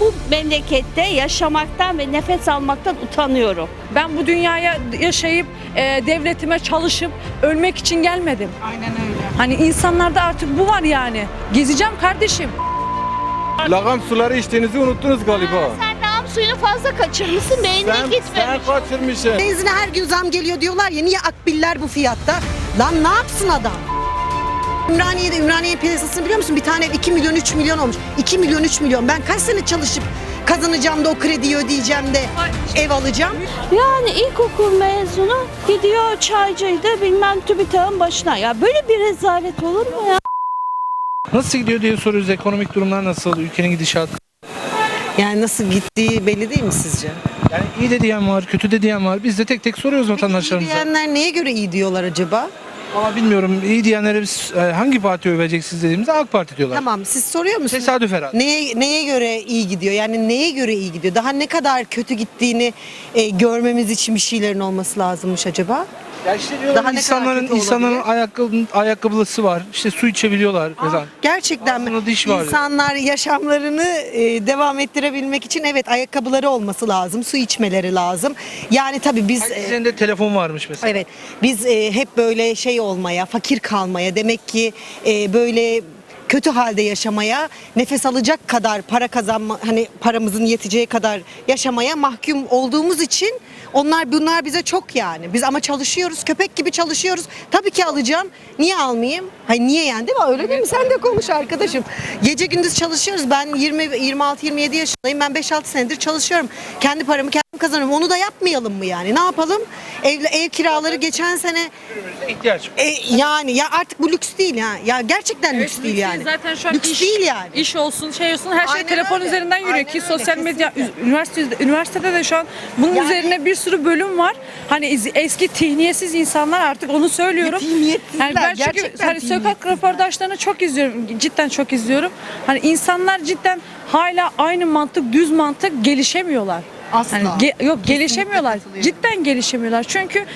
bu memlekette yaşamaktan ve nefes almaktan utanıyorum. Ben bu dünyaya yaşayıp devletime çalışıp ölmek için gelmedim. Aynen öyle. Hani insanlarda artık bu var yani. Gezeceğim kardeşim. Lagam suları içtiğinizi unuttunuz galiba. Sen lağım suyunu fazla kaçırmışsın, beynine Sen gitmemiş. kaçırmışsın. Benzine her gün zam geliyor diyorlar ya, niye akbiller bu fiyatta? Lan ne yapsın adam? Ümraniye piyasasını biliyor musun? Bir tane ev 2 milyon 3 milyon olmuş. 2 milyon 3 milyon. Ben kaç sene çalışıp kazanacağım da o krediyi ödeyeceğim de ev alacağım. Yani ilkokul mezunu gidiyor çaycıydı bilmem TÜBİTAK'ın başına. Ya böyle bir rezalet olur mu ya? Nasıl gidiyor diye soruyoruz. Ekonomik durumlar nasıl? Ülkenin gidişatı. Yani nasıl gittiği belli değil mi sizce? Yani iyi de diyen var, kötü de diyen var. Biz de tek tek soruyoruz İyi vatandaşlarımıza. diyenler neye göre iyi diyorlar acaba? Ama bilmiyorum iyi diyenlere biz hangi parti öveceksiniz dediğimizde AK Parti diyorlar. Tamam, siz soruyor musunuz? Tesadüf herhalde. Neye göre iyi gidiyor? Yani neye göre iyi gidiyor? Daha ne kadar kötü gittiğini görmemiz için bir şeylerin olması lazımmış acaba? Ya işte diyorlar Daha ne kadar kötü insanların olabilir? ayakkabısı var. İşte su içebiliyorlar mesela. Gerçekten mi? Ağzında diş var. İnsanlar yaşamlarını devam ettirebilmek için evet ayakkabıları olması lazım, su içmeleri lazım. Yani tabii biz Herkesin de telefon varmış mesela. evet biz hep böyle şey olmaya, fakir kalmaya, demek ki böyle kötü halde yaşamaya, nefes alacak kadar para kazanma, hani paramızın yeteceği kadar yaşamaya mahkum olduğumuz için bunlar bize çok yani. Biz ama çalışıyoruz, köpek gibi çalışıyoruz. Tabii ki alacağım. Niye almayayım? Hayır niye yani, değil mi? Öyle değil mi? Sen de konuş arkadaşım. Gece gündüz çalışıyoruz. Ben 26-27 yaşındayım. Ben 5-6 senedir çalışıyorum. Kendi paramı kendim kazanıyorum. Onu da yapmayalım mı yani? Ne yapalım? Ev kiraları geçen sene İhtiyaç. yani ya artık bu lüks değil ya. Ya gerçekten lüks değil yani. Zaten şu an lüks değil yani. İş olsun, şey olsun her şey Aynen telefon öyle. üzerinden yürüyor Aynen ki öyle, sosyal medya kesinlikle. üniversitede de şu an bunun Yani- üzerine bir sürü bölüm var. Hani eski zihniyetsiz insanlar artık onu söylüyorum. Zihniyetsizler, Yani ben çünkü gerçekten hani sokak zihniyetsizler. röportajlarını çok izliyorum. Cidden çok izliyorum. Hani insanlar cidden hala aynı mantık, düz mantık gelişemiyorlar. Asla. Hani yok gelişemiyorlar. katılıyorum. Cidden gelişemiyorlar. Çünkü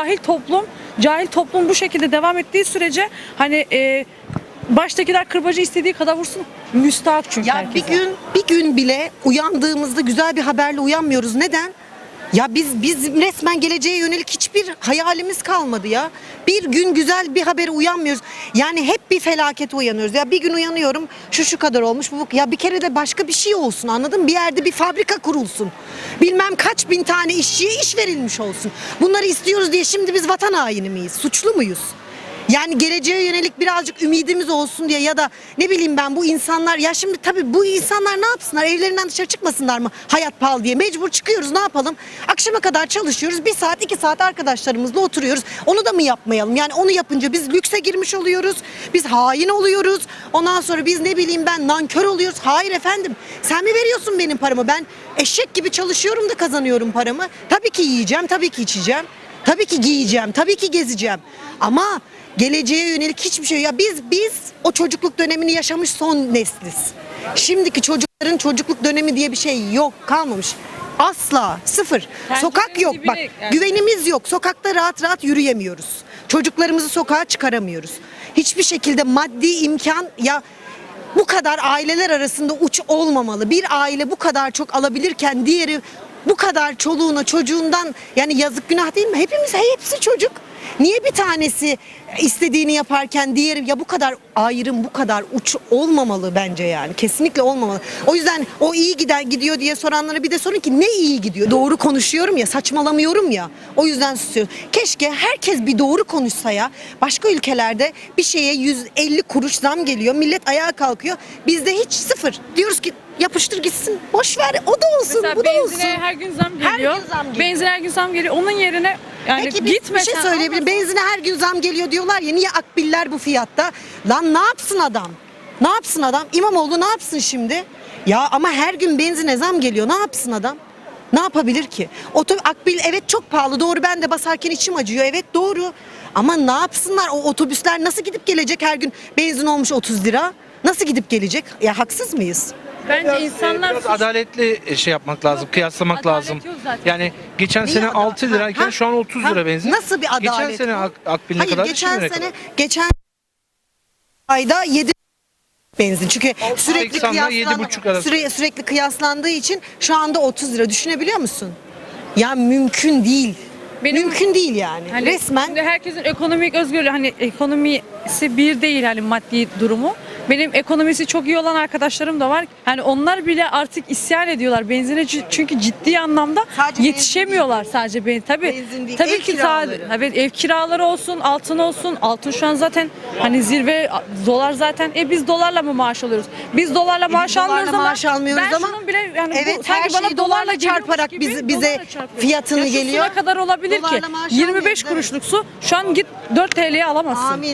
cahil toplum bu şekilde devam ettiği sürece hani baştakiler kırbacı istediği kadar vursun. Müstahak çünkü Ya herkese. bir gün bile uyandığımızda güzel bir haberle uyanmıyoruz. Neden? Ya biz resmen geleceğe yönelik hiçbir hayalimiz kalmadı ya. Bir gün güzel bir habere uyanmıyoruz. Yani hep bir felakete uyanıyoruz. Ya bir gün uyanıyorum şu kadar olmuş. Ya bir kere de başka bir şey olsun, anladın mı? Bir yerde bir fabrika kurulsun. Bilmem kaç bin tane işçiye iş verilmiş olsun. Bunları istiyoruz diye şimdi biz vatan haini miyiz? Suçlu muyuz? Yani geleceğe yönelik birazcık ümidimiz olsun diye ya da ne bileyim ben bu insanlar, ya şimdi tabii bu insanlar ne yapsınlar, evlerinden dışarı çıkmasınlar mı hayat pahalı diye, mecbur çıkıyoruz, ne yapalım, akşama kadar çalışıyoruz, 1 saat 2 saat arkadaşlarımızla oturuyoruz, onu da mı yapmayalım? Yani onu yapınca biz lükse girmiş oluyoruz, biz hain oluyoruz, ondan sonra biz ne bileyim ben nankör oluyoruz. Hayır efendim, sen mi veriyorsun benim paramı? Ben eşek gibi çalışıyorum da kazanıyorum paramı. Tabii ki yiyeceğim, tabii ki içeceğim, tabii ki giyeceğim, tabii ki gezeceğim ama geleceğe yönelik hiçbir şey. Ya biz o çocukluk dönemini yaşamış son nesliz. Şimdiki çocukların çocukluk dönemi diye bir şey yok, kalmamış. Asla, sıfır. Sokak yok bak, güvenimiz yok. Sokakta rahat rahat yürüyemiyoruz. Çocuklarımızı sokağa çıkaramıyoruz. Hiçbir şekilde maddi imkan, ya bu kadar aileler arasında uç olmamalı. Bir aile bu kadar çok alabilirken diğeri bu kadar çoluğuna çocuğundan, yani yazık günah değil mi? Hepsi çocuk. Niye bir tanesi istediğini yaparken diğeri, ya bu kadar ayrım, bu kadar uç olmamalı bence yani. Kesinlikle olmamalı. O yüzden o iyi gidiyor diye soranlara bir de sorun ki ne iyi gidiyor? Doğru konuşuyorum ya, saçmalamıyorum ya. O yüzden susuyorum. Keşke herkes bir doğru konuşsa ya. Başka ülkelerde bir şeye 150 kuruş zam geliyor. Millet ayağa kalkıyor. Bizde hiç sıfır. Diyoruz ki yapıştır gitsin. Boş ver. O da olsun, Mesela bu da olsun. benzine her gün zam Her geliyor. gün zam geliyor. Benzine her gün zam geliyor. Onun yerine yani Peki bir gitmesen şey söyleyebilirim. Benzine her gün zam geliyor diyorlar ya, niye akbiller bu fiyatta? Lan ne yapsın adam? Ne yapsın adam? İmamoğlu ne yapsın şimdi? Ya ama her gün benzine zam geliyor. Ne yapsın adam? Ne yapabilir ki? Akbil evet çok pahalı. Doğru, ben de basarken içim acıyor. Evet doğru. Ama ne yapsınlar? O otobüsler nasıl gidip gelecek her gün? Benzin olmuş 30 lira. Nasıl gidip gelecek? Ya haksız mıyız? bence insanlar Biraz adaletli şey yapmak lazım, kıyaslamak Adalet lazım. yok zaten. Yani geçen Neyi sene adalet? 6 lirayken Ha, şu an 30 lira benzin. Nasıl bir adalet Geçen sene bu? Akbil ne Hayır, kadar? geçen Şimdi ne sene kadar? geçen ayda 7 benzin. Çünkü sürekli 80'la 7,5 arası. sürekli kıyaslandığı için şu anda 30 lira. Düşünebiliyor musun? Ya mümkün değil. Mümkün değil yani. Hani Resmen şimdi herkesin ekonomik özgürlüğü, hani ekonomisi bir değil, hani maddi durumu. Benim ekonomisi çok iyi olan arkadaşlarım da var. Hani onlar bile artık isyan ediyorlar benzine, çünkü ciddi anlamda Sadece yetişemiyorlar sadece tabii. Benzin değil, Tabii ev ki kiraları. evet, ev kiraları olsun, altın olsun. Altın şu an zaten hani zirve, dolar zaten. Biz dolarla mı maaş alıyoruz? Biz dolarla maaş dolarla almıyoruz ama maaş almıyoruz ben ama şunun bile yani evet, bu, sanki her bana şeyi dolarla dolarla geliyormuş çarparak gibi bize dolarla çarpıyor. fiyatını Ya şu geliyor. su ne kadar olabilir ki? Dolarla maaş 25 almıyoruz, kuruşluk su şu an git 4 TL'ye alamazsın. amin.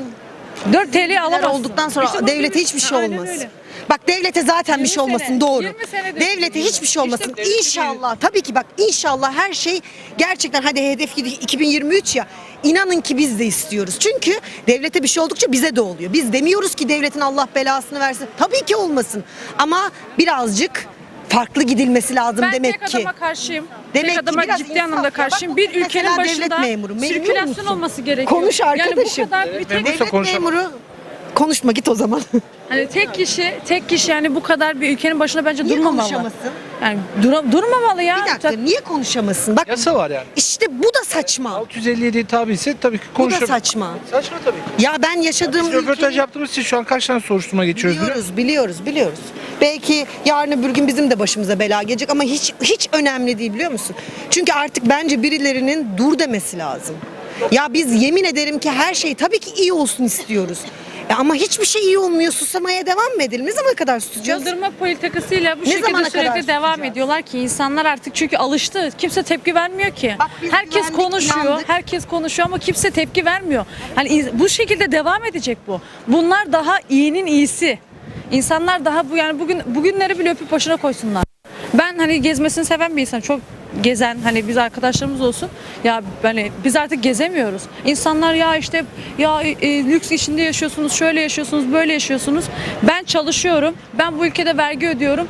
4 TL'ye alamazsın. Olduktan sonra İşte bu devlete gibi- hiçbir şey Aynen olmaz. öyle. Bak devlete zaten 20 bir şey olmasın, sene, doğru. 20 senedir Devlete hiçbir şey olmasın. İşte İnşallah tabii ki bak, inşallah her şey gerçekten, hadi hedef 2023 ya, inanın ki biz de istiyoruz. Çünkü devlete bir şey oldukça bize de oluyor. Biz demiyoruz ki devletin Allah belasını versin. Tabii ki olmasın. Ama birazcık farklı gidilmesi lazım Ben demek tek ki. adama karşıyım. Demek Tek ki adama biraz ciddi insaf anlamda ya. karşıyım. Bak, Bir mesela ülkenin devlet başında memuru, memnun sirkülasyon musun? olması gerekiyor. Konuş Yani bu arkadaşım. kadar bir tek, memursa Devlet konuşalım. memuru, konuşma git o zaman. hani tek kişi yani bu kadar bir ülkenin başına bence Niye durmamalı. konuşamasın? Yani durmamalı ya. Bir dakika, niye konuşamasın? Bak Yasa var yani. işte bu da saçma. 657'ye tabi ise tabii ki Bu da konuşabilir. saçma. Saçma tabii ki. Ya ben yaşadığım Biz röportaj ülkeyi yaptığımız için şu an kaç tane soruşturma geçiyoruz biliyor musun? biliyoruz. Belki yarın öbür gün bizim de başımıza bela gelecek ama hiç önemli değil, biliyor musun? Çünkü artık bence birilerinin dur demesi lazım. Ya biz yemin ederim ki her şey tabii ki iyi olsun istiyoruz. Ama hiçbir şey iyi olmuyor. Susamaya devam mı edelim? Ne zamana kadar susacağız? Yıldırma politikasıyla bu Ne zamana şekilde kadar sürekli devam susacağız? ediyorlar ki insanlar artık, çünkü alıştı. Kimse tepki vermiyor ki. Bak biz Herkes güvendik, konuşuyor. inandık. Herkes konuşuyor ama kimse tepki vermiyor. Hani bu şekilde devam edecek bu. Bunlar daha iyinin iyisi. İnsanlar daha bugünleri bile öpüp başına koysunlar. Ben hani gezmesini seven bir insan, çok gezen, hani biz arkadaşlarımız olsun ya, hani biz artık gezemiyoruz. İnsanlar ya işte ya lüks içinde yaşıyorsunuz, şöyle yaşıyorsunuz, böyle yaşıyorsunuz. Ben çalışıyorum. Ben bu ülkede vergi ödüyorum.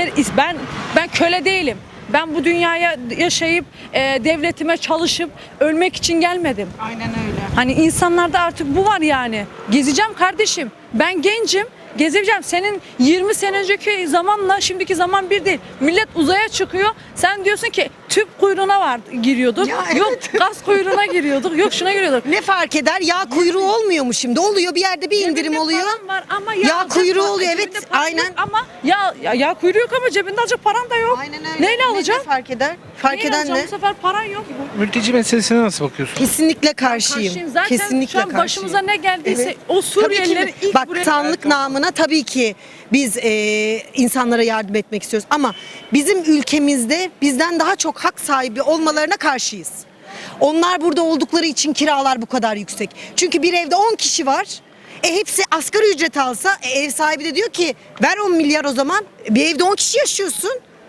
Ben köle değilim. Ben bu dünyaya yaşayıp devletime çalışıp ölmek için gelmedim. Aynen öyle. Hani insanlarda artık bu var yani. Gezeceğim kardeşim. Ben gencim. Gezeceğim. Senin 20 sene önceki zamanla şimdiki zaman bir değil. Millet uzaya çıkıyor. Sen diyorsun ki tüp kuyruğuna giriyorduk. Ya Yok evet. gaz kuyruğuna giriyorduk. Yok şuna giriyorduk. Ne fark eder? Yağ kuyruğu olmuyor mu şimdi? Oluyor, bir yerde bir indirim Cebinde oluyor. paran var ama Yağ kuyruğu oluyor, evet, cebinde paran aynen. yok ama yağ kuyruğu yok ama cebinde alacak paran da yok. Aynen öyle. Neyle alacaksın? Ne fark eder? Fark Neyle eden alacaksın? ne? Bu sefer paran yok. Mülteci meselesine nasıl bakıyorsun? Kesinlikle karşıyım. Karşıyım. Zaten Kesinlikle şu an karşıyım. başımıza ne geldiyse Evet. o Tabii ki Suriyelileri de. ilk Bak, buraya... tanrılık namına tabii ki biz insanlara yardım etmek istiyoruz. Ama bizim ülkemizde bizden daha çok hak sahibi olmalarına karşıyız. Onlar burada oldukları için kiralar bu kadar yüksek. Çünkü bir evde 10 kişi var. Hepsi asgari ücret alsa ev sahibi de diyor ki ver 10 milyar o zaman. Bir evde 10 kişi yaşıyorsun.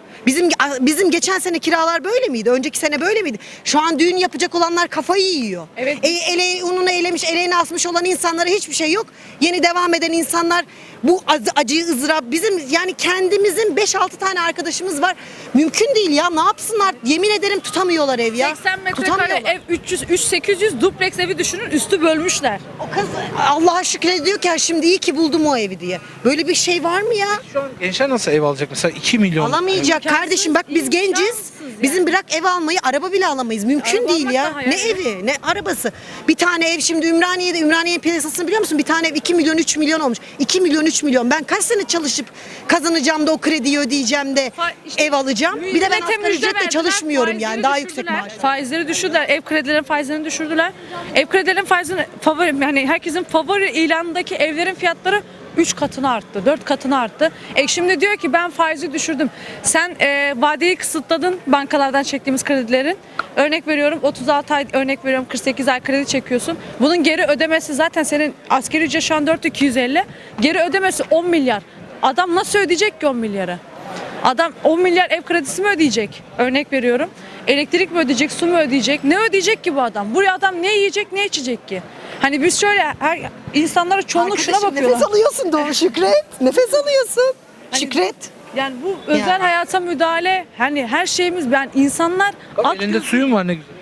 Bizim geçen sene kiralar böyle miydi? Önceki sene böyle miydi? Şu an düğün yapacak olanlar kafayı yiyor. Evet. Ununu elemiş, eleğini asmış olan insanlara hiçbir şey yok. Yeni devam eden insanlar bu acıyı, ızdırap, bizim yani kendimizin 5-6 tane arkadaşımız var. Mümkün değil ya. Ne yapsınlar? Yemin ederim tutamıyorlar ev ya. 80 metrekare Tutamıyorlar. ev 300-800 dupleks evi düşünün, üstü bölmüşler. O kız Allah'a şükrediyor ki şimdi iyi ki buldum o evi diye. Böyle bir şey var mı ya? Şu an gençler nasıl ev alacak mesela 2 milyon? Alamayacak kardeşim, bak biz genciz. imkansız yani. Bizim bırak ev almayı, araba bile alamayız. Mümkün Araba değil almak ya. da hayal Ne ya. evi, ne arabası. Bir tane ev şimdi Ümraniye'nin piyasasını biliyor musun? Bir tane ev 2 milyon 3 milyon olmuş. 2 milyon 3 milyon. Ben kaç sene çalışıp kazanacağım da o krediyi ödeyeceğim de İşte ev alacağım. Bir de ben millete asgari müjde ücretle verdiler, çalışmıyorum yani. faizleri Daha düşürdüler. yüksek maaş. Faizleri düşürdüler. Ev kredilerin faizlerini düşürdüler. Ev kredilerin faizini favori, yani herkesin favori ilanındaki evlerin fiyatları 3 katına arttı, 4 katına arttı. Şimdi diyor ki ben faizi düşürdüm. Sen vadeyi kısıtladın bankalardan çektiğimiz kredilerin. Örnek veriyorum 36 ay, örnek veriyorum 48 ay kredi çekiyorsun. Bunun geri ödemesi zaten senin asgari ücret şu an 4250. Geri ödemesi 10 milyar. Adam nasıl ödeyecek ki 10 milyarı? Adam 10 milyar ev kredisi mi ödeyecek? Örnek veriyorum. Elektrik mi ödeyecek, su mu ödeyecek? Ne ödeyecek ki bu adam? Buraya adam ne yiyecek, ne içecek ki? Hani biz şöyle insanlara çoğunluk şuna Arkadaşım, bakıyorlar. nefes alıyorsun doğru Şükret. Nefes alıyorsun. Hani Şükret. Yani bu özel Yani. hayata müdahale, hani her şeyimiz, ben insanlar Bak, elinde suyun var ne güzel.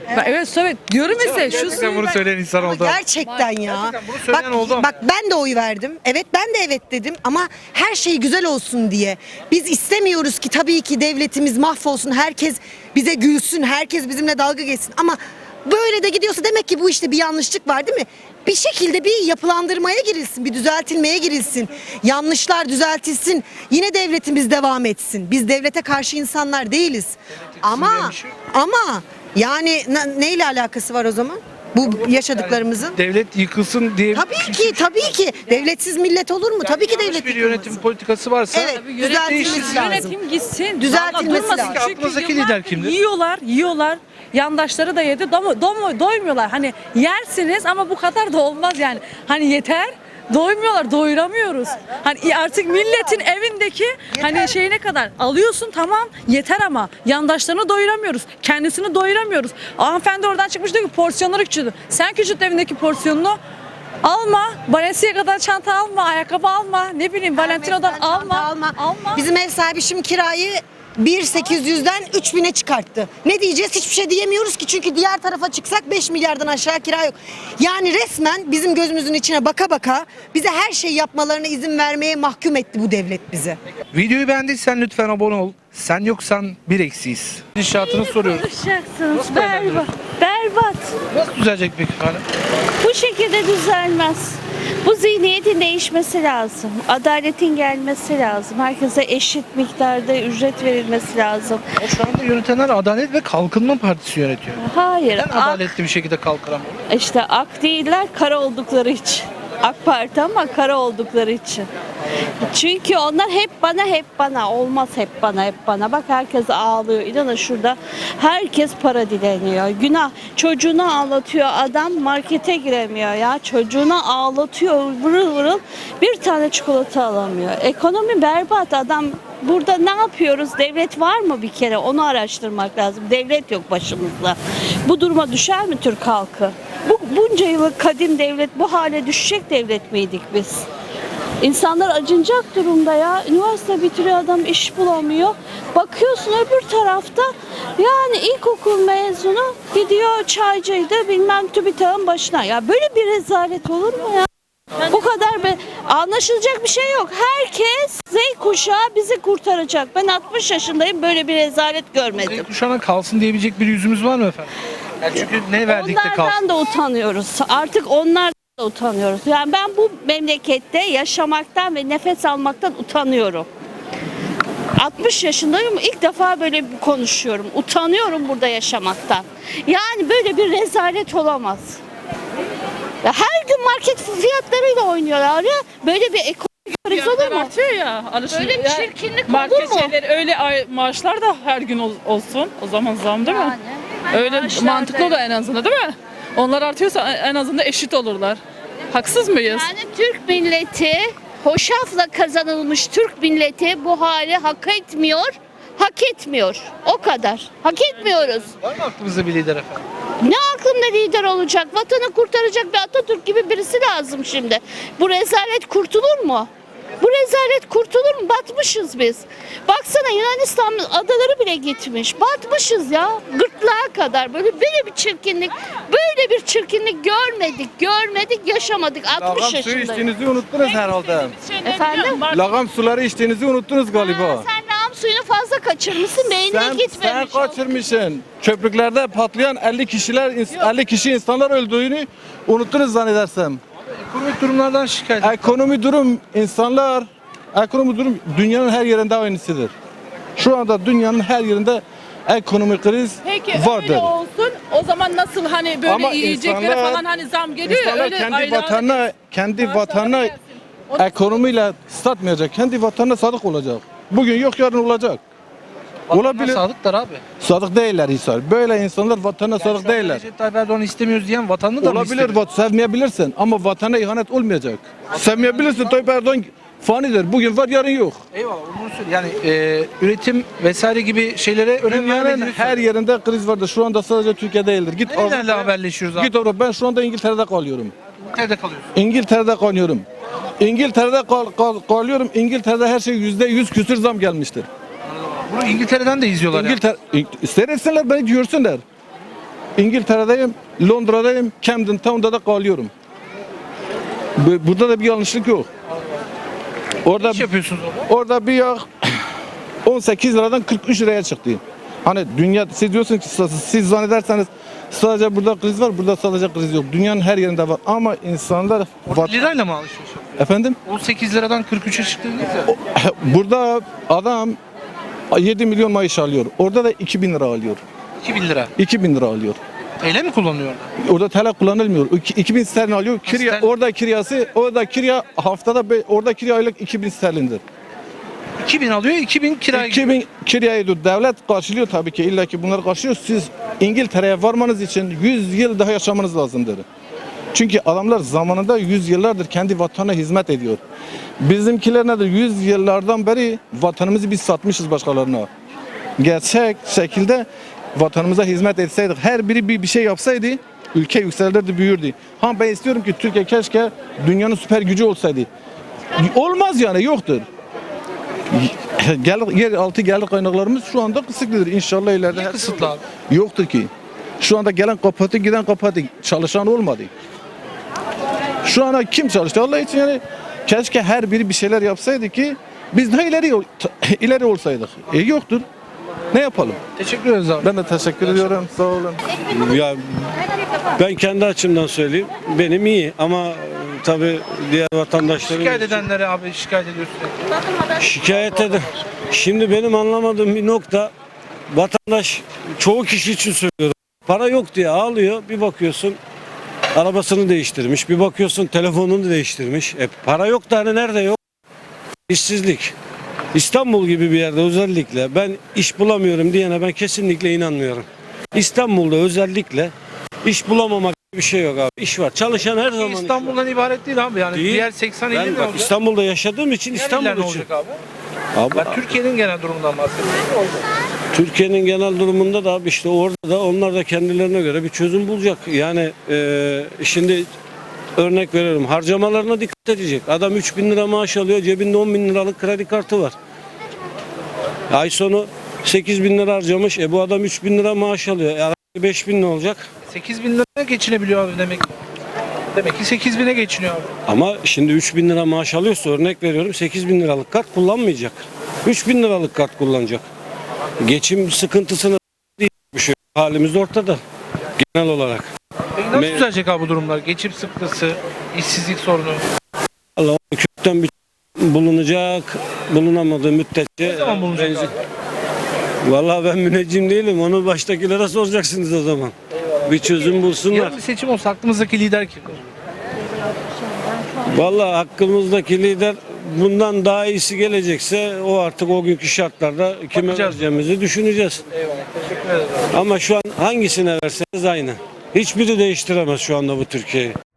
Evet söyle diyorum size şu Gerçekten bunu söyleyen insan Ama oldu. gerçekten ya. Gerçekten bunu söyleyen oldu ama. Bak ben de oy verdim. Evet ben de evet dedim ama her şey güzel olsun diye. Biz istemiyoruz ki tabii ki devletimiz mahvolsun. Herkes bize gülsün. Herkes bizimle dalga geçsin. Ama böyle de gidiyorsa demek ki bu işte bir yanlışlık var değil mi? Bir şekilde bir yapılandırmaya girilsin, bir düzeltilmeye girilsin. Yanlışlar düzeltilsin. Yine devletimiz devam etsin. Biz devlete karşı insanlar değiliz. Ama bir şey yok. ama yani neyle alakası var o zaman? Bu yaşadıklarımızın? Devlet yıkılsın diye Tabii ki. Devletsiz millet olur mu? Tabii ki yanlış devlet bir yıkılmasın. yönetim politikası varsa Evet, Tabii düzeltilmesi lazım. yönetim gitsin. Düzeltilmesi Vallahi lazım. Çünkü Aklınızdaki yıllardır lider kimdir? Yiyorlar. Yandaşları da yedi. Doymuyorlar. Hani yersiniz ama bu kadar da olmaz yani. Hani yeter. Doymuyorlar, doyuramıyoruz. Hani artık milletin evindeki hani şeyine kadar alıyorsun tamam yeter ama yandaşlarını doyuramıyoruz. Kendisini doyuramıyoruz. Hanımefendi oradan çıkmış diyor ki porsiyonları küçüldü. Sen küçült evindeki porsiyonunu. Alma. Balenciaga'dan çanta alma, ayakkabı alma. Ne bileyim Valentino'dan alma. Bizim ev sahibi şimdi kirayı 1.800'den 3.000'e çıkarttı. Ne diyeceğiz? Hiçbir şey diyemiyoruz ki çünkü diğer tarafa çıksak 5 milyardan aşağı kira yok. Yani resmen bizim gözümüzün içine baka baka bize her şey yapmalarına izin vermeye mahkum etti bu devlet bizi. videoyu beğendiysen lütfen abone ol. Sen yoksan bir eksiyiz. İnşaatını soruyoruz. Konuşacaksınız. Nasıl beğenmediniz? Berbat. Nasıl düzelecek peki efendim? Bu şekilde düzelmez. Bu zihniyetin değişmesi lazım. Adaletin gelmesi lazım. Herkese eşit miktarda ücret verilmesi lazım. O şu anda yönetenler Adalet ve Kalkınma Partisi yönetiyor. Hayır. Neden adaletli bir şekilde kalkıramıyor? İşte ak değiller, kara oldukları için. AK Parti ama kara oldukları için. Çünkü onlar hep bana olmaz hep bana. Bak herkes ağlıyor. İnanın şurada herkes para dileniyor. Günah. Çocuğunu ağlatıyor adam markete giremiyor ya. Çocuğunu ağlatıyor vırıl vırıl bir tane çikolata alamıyor. Ekonomi berbat adam. Burada ne yapıyoruz? Devlet var mı bir kere? Onu araştırmak lazım. Devlet yok başımızda. Bu duruma düşer mi Türk halkı? Bunca yıllık kadim devlet bu hale düşecek devlet miydik biz? İnsanlar acınacak durumda ya. Üniversite bitiriyor adam iş bulamıyor. Bakıyorsun öbür tarafta yani ilkokul mezunu gidiyor çaycıydı bilmem TÜBİTAK'ın başına. Ya böyle bir rezalet olur mu ya? Bu kadar anlaşılacak bir şey yok. Herkes Z kuşağı bizi kurtaracak. Ben 60 yaşındayım böyle bir rezalet görmedim. Kuşağına kalsın diyebilecek bir yüzümüz var mı efendim? Yani çünkü ne verdik de kalsın. Onlardan da utanıyoruz. Artık onlardan da utanıyoruz. Yani ben bu memlekette yaşamaktan ve nefes almaktan utanıyorum. 60 yaşındayım ilk defa böyle konuşuyorum. Utanıyorum burada yaşamaktan. Yani böyle bir rezalet olamaz. Ya her gün market fiyatlarıyla oynuyorlar ya. Böyle bir ekonomik kriz olur mu? Artıyor ya. Böyle bir çirkinlik market olur mu? şeyleri öyle maaşlar da her gün olsun. O zaman zam değil mi? Öyle maaşlar mantıklı da- olur en azından değil mi? Onlar artıyorsa en azından eşit olurlar. Haksız mıyız? Yani Türk milleti, hoşafla kazanılmış Türk milleti bu hali hak etmiyor. Hak etmiyor. O kadar. Hak etmiyoruz. Var mı aklımızda bir lider efendim? Ne aklında lider olacak? Vatanı kurtaracak bir Atatürk gibi birisi lazım şimdi. Bu rezalet kurtulur mu? Bu rezalet kurtulur mu? Batmışız biz. Baksana Yunanistan adaları bile gitmiş. Batmışız ya. Gırtlağa kadar. Böyle bir çirkinlik görmedik, yaşamadık. 60 Lağım suyu yaşındayım. içtiğinizi unuttunuz herhalde. Efendim? Lağım suları içtiğinizi unuttunuz galiba. Sen lağım suyunu fazla kaçırmışsın, beynine Sen gitmemiş. kaçırmışsın. Köprüklerde patlayan 50 kişi insanlar öldüğünü unuttunuz zannedersem. Ekonomik durumlardan şikayet. Ekonomi durum dünyanın her yerinde aynısıdır. Şu anda dünyanın her yerinde ekonomik kriz Peki vardır. öyle olsun. O zaman nasıl hani böyle Ama yiyeceklere insanlar- falan hani zam geliyor ya İnsanlar öyle kendi aylarda- vatanına gelsin. O- ekonomiyle satmayacak. Kendi vatanına sadık olacak. Bugün yok yarın olacak. Olabilir. Sadıklar abi. Sadık değiller Hisar. Böyle insanlar vatanına sadık değiller. Recep Tayyip Erdoğan'ı istemiyoruz diyen vatanını da mı Olabilir, istemiyor? sevmeyebilirsin ama vatana ihanet olmayacak. Sevmeyebilirsin, Tayyip Erdoğan fanidir. Bugün var, yarın yok. Eyvallah onu söyle. Yani üretim vesaire gibi şeylere önem Dünyanın vermediğini her yerinde kriz vardır. Şu anda sadece Türkiye değildir. Git Nerelerle Avrupa'ya- haberleşiyoruz abi? Git Avrupa. Ben şu anda İngiltere'de kalıyorum. Nerede kalıyorsun? İngiltere'de kalıyorum. İngiltere'de kalıyorum. İngiltere'de her şey %100 küsür zam gelmiştir. Bunu İngiltere'den de izliyorlar ya. Seyretsinler beni görsünler. İngiltere'deyim, Londra'dayım, Camden Town'da da kalıyorum. Burada da bir yanlışlık yok. Ne Orada iş yapıyorsunuz orada? orada bir yağ 18 liradan 43 liraya çıktı. Hani dünya, siz diyorsunuz ki siz zannederseniz sadece burada kriz var, burada sadece kriz yok. Dünyanın her yerinde var ama insanlar Orada lirayla mı alışıyorsunuz? efendim 18 liradan 43'e çıktınız ya. burada adam 7 milyon maaş alıyor. Orada da 2000 lira alıyor. 2000 lira. 2000 lira alıyor. TL mi kullanıyor orada? Orada TL kullanılmıyor. 2000 sterlin alıyor. Kirya, sterlin. orada kirya haftada orada kirya aylık 2000 sterlindir. 2000 alıyor, 2000 kiraya gidiyor. 2000 kiryayı da devlet karşılıyor tabii ki, illa ki bunları karşılıyor. Siz İngiltere'ye varmanız için 100 yıl daha yaşamanız lazımdır. Çünkü adamlar zamanında 100 yıllardır kendi vatanına hizmet ediyor. Bizimkiler nedir? 100 yıllardan beri vatanımızı biz satmışız başkalarına. Gerçek şekilde vatanımıza hizmet etseydik, her biri bir şey yapsaydı ülke yükselirdi, büyürdü. Ha ben istiyorum ki Türkiye keşke dünyanın süper gücü olsaydı. Olmaz yani, yoktur. Yeraltı gelir kaynaklarımız şu anda kısıtlıdır. İnşallah ileride Niye kısıtlı abi? yoktur ki. Şu anda gelen kapattı, giden kapattı. Çalışan olmadı. Şu ana kim çalıştı? Allah için yani keşke her biri bir şeyler yapsaydı ki biz daha ileri olsaydık. Yoktur. Ne yapalım? Teşekkür ederiz abi. Ben de teşekkür ediyorum. Sağ olun. Ya ben kendi açımdan söyleyeyim. Benim iyi ama tabii diğer vatandaşların Şikayet edenlere abi şikayet ediyorsun. şikayet eden. Şimdi benim anlamadığım bir nokta, vatandaş çoğu kişi için söylüyorum. Para yok diye ağlıyor. Bir bakıyorsun arabasını değiştirmiş. Bir bakıyorsun telefonunu değiştirmiş. Para yok da hani nerede yok? İşsizlik. İstanbul gibi bir yerde özellikle ben iş bulamıyorum diyene ben kesinlikle inanmıyorum. İstanbul'da özellikle iş bulamamak gibi bir şey yok abi. İş var. Çalışan her zaman iş var. İstanbul'dan ibaret değil abi. Yani Değil. diğer 80 Ben il ne bak olacak? İstanbul'da yaşadığım için Diğer İstanbul iller ne için. olacak abi? Abi, Ben Türkiye'nin genel durumundan bahsediyorum. Türkiye'nin genel durumunda da abi işte orada da onlar da kendilerine göre bir çözüm bulacak. Yani şimdi örnek veriyorum, harcamalarına dikkat edecek. Adam 3.000 lira maaş alıyor, cebinde 10.000 liralık kredi kartı var. Ay sonu 8.000 lira harcamış. Bu adam 3.000 lira maaş alıyor. 5.000 ne olacak? 8.000 liraya geçinebiliyor abi demek. Demek ki 8.000'e geçiniyor abi. Ama şimdi 3.000 lira maaş alıyorsa örnek veriyorum 8.000 liralık kart kullanmayacak. 3.000 liralık kart kullanacak. Geçim sıkıntısını değil bir şey. Halimiz ortada genel olarak. Peki nasıl Me- düzelecek abi bu durumlar? Geçim sıkıntısı, işsizlik sorunu. Allah kökten bir bulunacak, bulunamadığı müddetçe. Ne zaman bulunacak abi? Vallahi ben müneccim değilim. Onu baştakilere soracaksınız o zaman. Bir çözüm bulsunlar. Yarın bir seçim olsa aklımızdaki lider kimdir? Vallahi hakkımızdaki lider bundan daha iyisi gelecekse o artık o günkü şartlarda kime Bakacağız. vereceğimizi düşüneceğiz. Eyvallah. Teşekkür ederiz abi. Ama şu an hangisine verseniz aynı. Hiçbiri değiştiremez şu anda bu Türkiye'yi.